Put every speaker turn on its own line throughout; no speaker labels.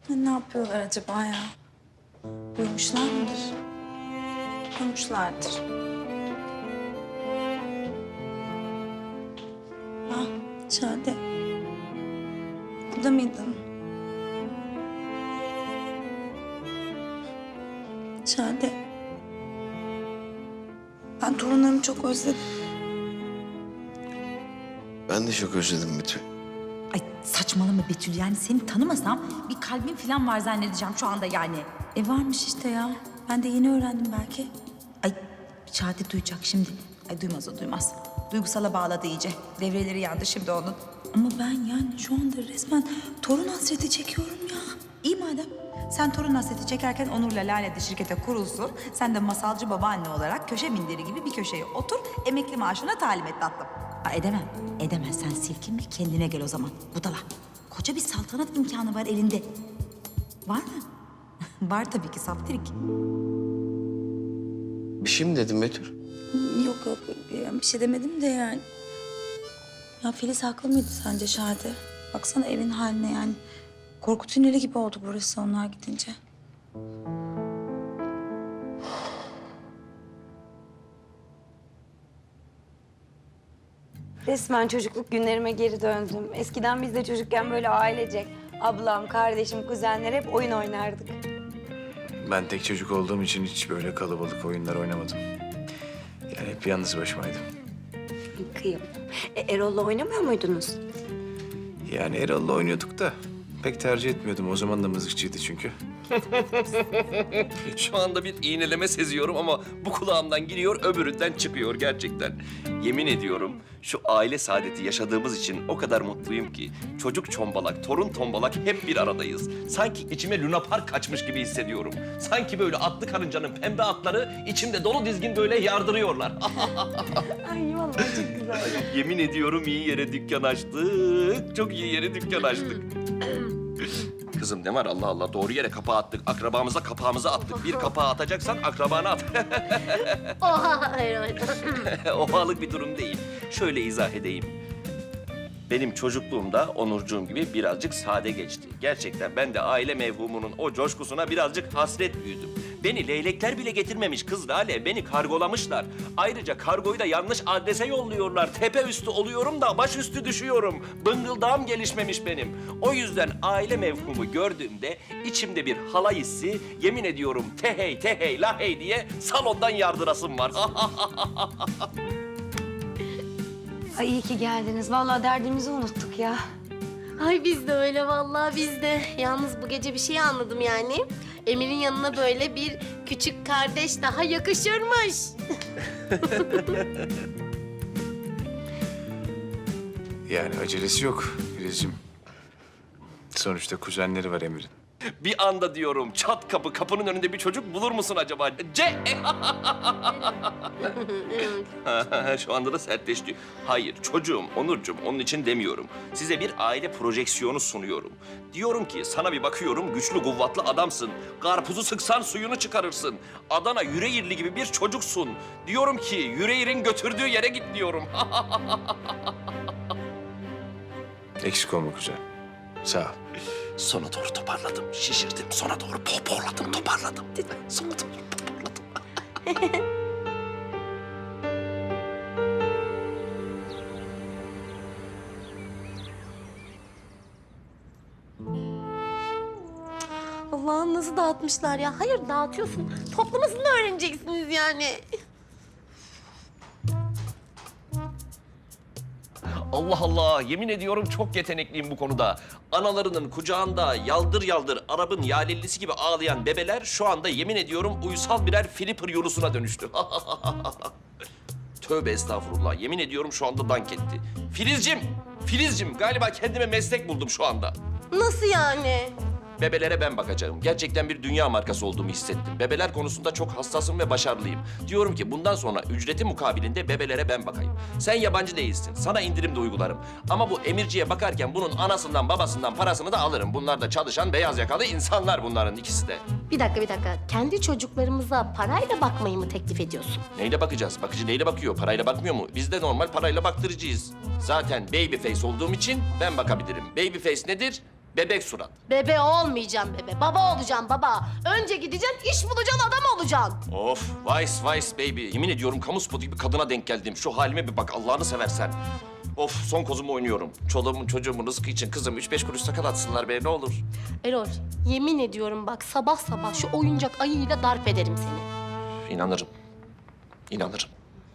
Ne yapıyorlar acaba ya? Uyumuşlar mıdır? Uyumuşlardır. Ah, Şade. Burada mıydın? Şade. Ben torunlarımı çok özledim.
Ben de çok özledim Betül.
Ay saçmalama Betül, yani seni tanımasam bir kalbin falan var zannedeceğim şu anda yani.
Varmış işte ya. Ben de yeni öğrendim belki.
Ay Şadi duyacak şimdi. Ay duymaz o duymaz. Duygusala bağladı iyice. Devreleri yandı şimdi onun.
Ama ben yani şu anda resmen torun hasreti çekiyorum ya.
İyi madem. Sen torun hasreti çekerken Onur'la Lale de şirkete kurulsun. Sen de masalcı babaanne olarak köşe minderi gibi bir köşeye otur. Emekli maaşına talim et tatlım. Aa, edemem. Edemezsen silkinme, kendine gel o zaman. Budala. Koca bir saltanat imkanı var elinde. Var mı? Var tabii ki saftirik.
Bir şey mi dedim Betül?
Yok yani bir şey demedim de yani. Ya Filiz haklı mıydı sence Şadi? Baksana evin haline yani. Korku tüneli gibi oldu burası onlar gidince.
Resmen çocukluk günlerime geri döndüm. Eskiden biz de çocukken böyle ailecek ablam, kardeşim, kuzenler hep oyun oynardık.
Ben tek çocuk olduğum için hiç böyle kalabalık oyunlar oynamadım. Yani hep yalnız başımaydım.
Kıyım. Erol'la oynamıyor muydunuz?
Yani Erol'la oynuyorduk da pek tercih etmiyordum. O zaman da mızıkçıydı çünkü.
Şu anda bir iğneleme seziyorum ama bu kulağımdan giriyor, öbüründen çıkıyor gerçekten. Yemin ediyorum şu aile saadeti yaşadığımız için o kadar mutluyum ki çocuk çombalak, torun tombalak hep bir aradayız. Sanki içime Luna Park kaçmış gibi hissediyorum. Sanki böyle atlı karıncanın pembe atları içimde dolu dizgin böyle yardırıyorlar.
Ay vallahi çok güzel.
Yemin ediyorum iyi yere dükkan açtık. Çok iyi yere dükkan açtık. Kızım ne var Allah Allah doğru yere kapağı attık. Akrabamıza kapağımıza attık. Bir kapağı atacaksan akrabana at.
Oha Erol.
Ohalık bir durum değil. Şöyle izah edeyim. Benim çocukluğumda Onurcuğum gibi birazcık sade geçti. Gerçekten ben de aile mevhumunun o coşkusuna birazcık hasret büyüdüm. Beni leylekler bile getirmemiş kız Lale. Beni kargolamışlar. Ayrıca kargoyu da yanlış adrese yolluyorlar. Tepe üstü oluyorum da baş üstü düşüyorum. Bıngıldağım gelişmemiş benim. O yüzden aile mevhumu gördüğümde içimde bir halay hissi, yemin ediyorum tehey tehey lahey diye salondan yardırasım var.
Ay iyi ki geldiniz. Vallahi derdimizi unuttuk ya.
Ay biz de öyle vallahi biz de. Yalnız bu gece bir şey anladım yani. Emir'in yanına böyle bir küçük kardeş daha yakışırmış.
Yani acelesi yok Filizciğim. Sonuçta kuzenleri var Emir'in.
Bir anda diyorum çat kapı kapının önünde bir çocuk bulur musun acaba? Şu anda da sertleşti. Hayır çocuğum Onurcuğum onun için demiyorum. Size bir aile projeksiyonu sunuyorum. Diyorum ki sana bir bakıyorum güçlü kuvvetli adamsın. Karpuzu sıksan suyunu çıkarırsın. Adana Yüreğirli gibi bir çocuksun. Diyorum ki Yüreğir'in götürdüğü yere git diyorum.
Eksik olma kuzen. Sağ ol.
Sona doğru toparladım, şişirdim. Sona doğru pohpohladım, toparladım. Sona doğru toparladım.
Allah'ım nasıl dağıtmışlar ya. Hayır dağıtıyorsun. Toplamasını öğreneceksiniz yani.
Allah Allah, yemin ediyorum çok yetenekliyim bu konuda. Analarının kucağında yaldır yaldır Arap'ın yalellisi gibi ağlayan bebeler şu anda yemin ediyorum uysal birer Flipper Yunus'una dönüştü. Tövbe estağfurullah, yemin ediyorum şu anda dank etti. Filizcim galiba kendime meslek buldum şu anda.
Nasıl yani?
Bebelere ben bakacağım. Gerçekten bir dünya markası olduğumu hissettim. Bebeler konusunda çok hassasım ve başarılıyım. Diyorum ki bundan sonra ücreti mukabilinde bebelere ben bakayım. Sen yabancı değilsin. Sana indirim de uygularım. Ama bu Emirci'ye bakarken bunun anasından babasından parasını da alırım. Bunlar da çalışan beyaz yakalı insanlar bunların ikisi de.
Bir dakika. Kendi çocuklarımıza parayla bakmayı mı teklif ediyorsun?
Neyle bakacağız? Bakıcı neyle bakıyor? Parayla bakmıyor mu? Biz de normal parayla baktırıcıyız. Zaten baby face olduğum için ben bakabilirim. Baby face nedir? Bebek surat.
Bebe olmayacağım bebe. Baba olacağım baba. Önce gideceksin, iş bulacaksın, adam olacaksın.
Of, vice baby. Yemin ediyorum kamu spotu gibi kadına denk geldim. Şu halime bir bak Allah'ını seversen. Of, son kozumu oynuyorum. Çoluğumun çocuğumun rızkı için kızım 3-5 kuruş sakal atsınlar be ne olur.
Erol, yemin ediyorum bak sabah sabah şu oyuncak ayıyla darp ederim seni.
İnanırım. İnanırım.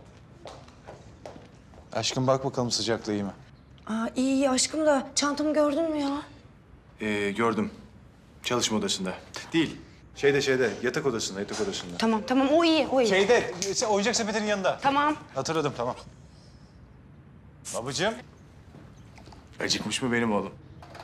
Aşkım bak bakalım sıcaklığı iyi mi?
Aa, iyi aşkım da çantamı gördün mü ya?
Gördüm. Çalışma odasında. Değil. Şeyde, yatak odasında.
Tamam o iyi o iyi.
Şeyde, oyuncak sepetinin yanında.
Tamam.
Hatırladım, tamam. Babacığım. Acıkmış mı benim oğlum?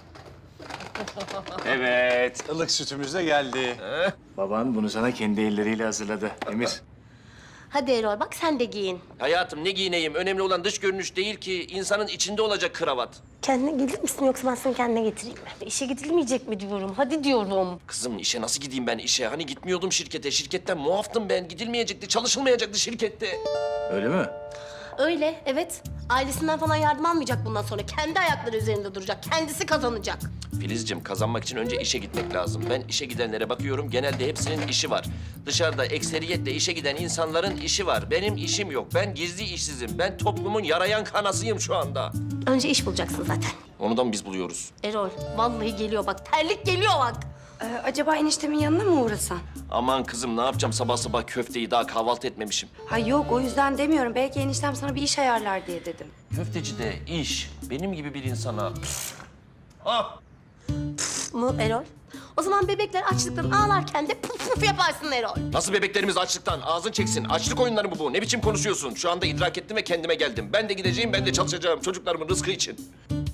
Evet. Ilık sütümüz de geldi. Baban bunu sana kendi elleriyle hazırladı. Emir.
Hadi Erol bak sen de giyin.
Hayatım ne giyineyim? Önemli olan dış görünüş değil ki. İnsanın içinde olacak kravat.
Kendine gelir misin yoksa ben seni kendine getireyim mi? İşe gidilmeyecek mi diyorum, hadi diyorum.
Kızım işe nasıl gideyim ben işe? Hani gitmiyordum şirkete. Şirketten muaftım ben. Gidilmeyecekti, çalışılmayacaktı şirkette.
Öyle mi?
Öyle, evet. Ailesinden falan yardım almayacak bundan sonra. Kendi ayakları üzerinde duracak, kendisi kazanacak.
Filizciğim kazanmak için önce işe gitmek lazım. Ben işe gidenlere bakıyorum. Genelde hepsinin işi var. Dışarıda ekseriyetle işe giden insanların işi var. Benim işim yok. Ben gizli işsizim. Ben toplumun yarayan kanasıyım şu anda.
Önce iş bulacaksın zaten.
Onu da mı biz buluyoruz?
Erol, vallahi geliyor bak, terlik geliyor bak.
Acaba eniştemin yanına mı uğrasan?
Aman kızım ne yapacağım sabah sabah köfteyi daha kahvaltı etmemişim.
Ha yok o yüzden demiyorum. Belki eniştem sana bir iş ayarlar diye dedim.
Köftecide iş benim gibi bir insana... Ah!
Mu Erol? O zaman bebekler açlıktan ağlarken de puf puf yaparsın Erol.
Nasıl bebeklerimiz açlıktan? Ağzın çeksin. Açlık oyunları mı bu? Ne biçim konuşuyorsun? Şu anda idrak ettim ve kendime geldim. Ben de gideceğim, ben de çalışacağım çocuklarımın rızkı için.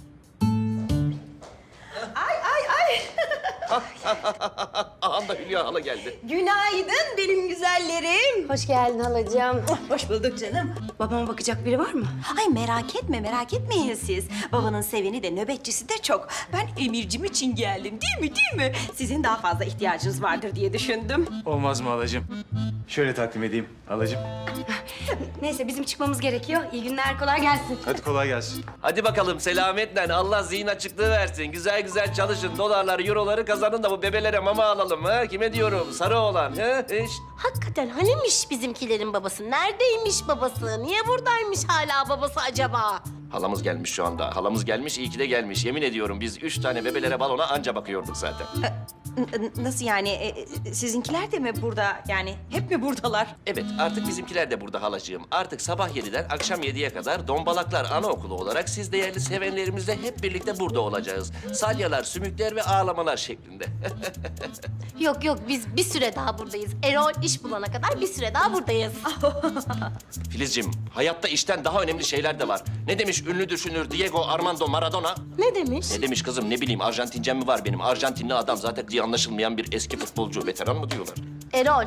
Aha da Hülya hala geldi.
Günaydın benim güzellerim.
Hoş geldin halacığım.
Hoş bulduk canım. Babama bakacak biri var mı?
Ay merak etmeyin siz. Babanın seveni de nöbetçisi de çok. Ben Emircim için geldim değil mi? Sizin daha fazla ihtiyacınız vardır diye düşündüm.
Olmaz mı halacığım? Şöyle takdim edeyim halacığım.
Neyse bizim çıkmamız gerekiyor. İyi günler kolay gelsin.
Hadi kolay gelsin.
Hadi bakalım selametle. Allah zihin açıklığı versin. Güzel güzel çalışın. Dolarları, euroları kazanın da bu bebelere mama alalım ha. Kime diyorum? Sarı olan. Ha?
Hakikaten hanimiş bizimkilerin babası? Neredeymiş babası? Niye buradaymış hala babası acaba?
Halamız gelmiş şu anda. Halamız gelmiş, iyi ki de gelmiş. Yemin ediyorum biz 3 tane bebelere balona anca bakıyorduk zaten.
Nasıl yani? Sizinkiler de mi burada? Yani hep mi buradalar?
Evet, artık bizimkiler de burada halacığım. Artık sabah 7'den akşam 7'ye kadar Dombalaklar Anaokulu olarak siz değerli sevenlerimizle hep birlikte burada olacağız. Salyalar, sümükler ve ağlamalar şeklinde.
Yok biz bir süre daha buradayız. Erol iş bulana kadar bir süre daha buradayız.
Filizciğim, hayatta işten daha önemli şeyler de var. Ne demiş ünlü düşünür Diego Armando Maradona?
Ne demiş?
Ne demiş kızım, ne bileyim Arjantincem mi var benim? Arjantinli adam zaten diye anlaşılmayan bir eski futbolcu. Veteran mı diyorlar?
Erol.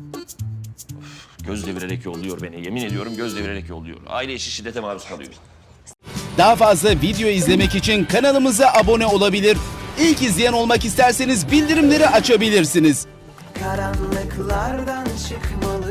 Göz devirerek yolluyor beni. Yemin ediyorum göz devirerek yolluyor. Aile içi şiddete maruz kalıyor.
Daha fazla video izlemek için kanalımıza abone olabilir. İlk izleyen olmak isterseniz bildirimleri açabilirsiniz.
Karanlıklardan çıkmalı